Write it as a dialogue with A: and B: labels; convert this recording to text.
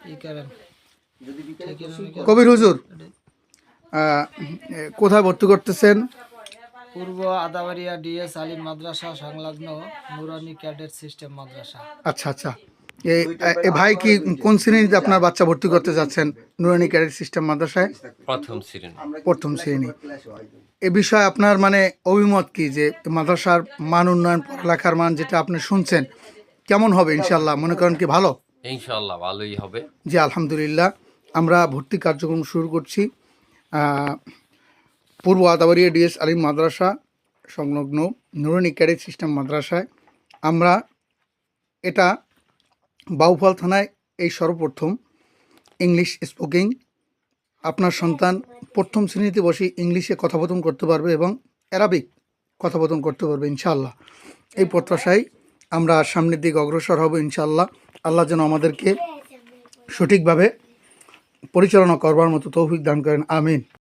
A: কবির হুজুর কোথায় ভর্তি করতেছেন?
B: পূর্ব আদাবাড়িয়া ডিএস আলিম মাদ্রাসা সংলগ্ন নুরানি ক্যাডেট সিস্টেম মাদ্রাসা।
A: আচ্ছা আচ্ছা, এ ভাই কি কোন শ্রেণীতে আপনার বাচ্চা ভর্তি করতে যাচ্ছেন নুরানি ক্যাডেট সিস্টেম মাদ্রাসায়? প্রথম শ্রেণী। এ বিষয়ে আপনার মানে অভিমত কি, যে মাদ্রাসার মান উন্নয়ন, পড়ালেখার মান যেটা আপনি শুনছেন কেমন হবে? ইনশাল্লাহ মনে করেন কি ভালো?
C: ইনশাআল্লাহ ভালোই হবে।
A: জি আলহামদুলিল্লাহ। আমরা ভর্তি কার্যক্রম শুরু করছি পূর্ব আদাবাড়িয়া ডিএস আলিম মাদ্রাসা সংলগ্ন নুরানি ক্যাডেট সিস্টেম মাদ্রাসায়। আমরা এটা বাউফল থানায় এই সর্বপ্রথম ইংলিশ স্পোকিং। আপনার সন্তান প্রথম শ্রেণীতে বসে ইংলিশে কথোপকথন করতে পারবে এবং অ্যারাবিক কথোপকথন করতে পারবে ইনশাআল্লাহ। এই প্রত্যাশায় আমরা সামনের দিকে অগ্রসর হব ইনশাআল্লাহ। আল্লাহ যেন আমাদেরকে সঠিকভাবে পরিচালনা করবার মতো তৌফিক দান করেন, আমিন।